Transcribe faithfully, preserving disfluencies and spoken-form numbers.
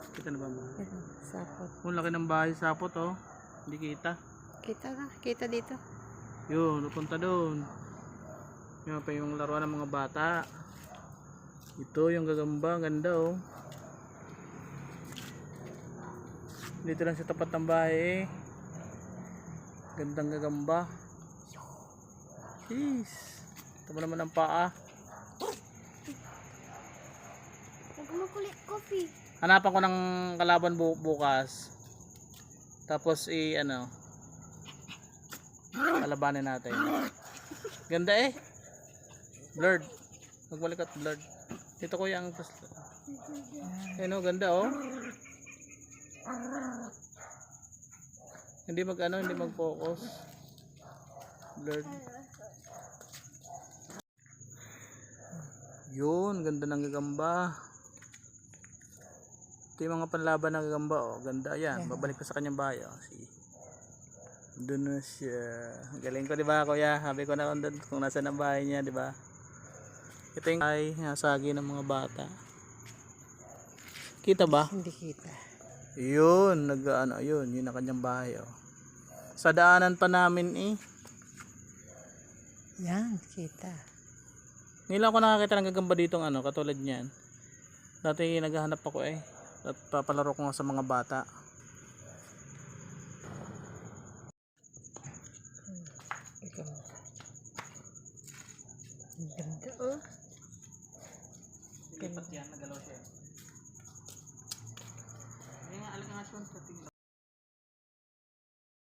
Kita na ba mo? Ito, sapot. Ang laki ng bahay sapot oh. Hindi kita. Kita na, kita dito. Yun, napunta doon. Yan pa yung laruan ng mga bata. Ito yung gagamba, ganda oh. Dito lang sa tapat ng bahay eh. Gandang gagamba. Jeez. Ito mo naman ang paa. Nagmakulit coffee. Hanapan ko ng kalaban bu bukas. Tapos i ano. Kalabanin natin. Ganda eh. Blurred. Magbalik at blurred. Dito ko yung ayun oh, ganda oh. Hindi mag ano, hindi mag focus. Blurred. Yun, ganda ng gagamba. Ito yung mga panlaban ng gagamba oh. Ganda yan. Babalik ko sa kanyang bahay oh. See. Doon na siya. Galing ko, di ba, kuya? Sabi ko na kung, kung nasa ang bahay niya, di ba? Ito yung ay nasagi ng mga bata. Kita ba? Hindi kita. Yun, nag ano, yun, yun ang kanyang bahay oh. Sa daanan pa namin eh. Yan, kita. Ngayon lang ako nakakita ng gagamba ditong ano, katulad niyan. Dati naghahanap ako eh. At papalaro ko nga sa mga bata. Ikaw. Ang ganda oh. Lipat yan, nagalaw siya. Ngayon nga, alikangasyon,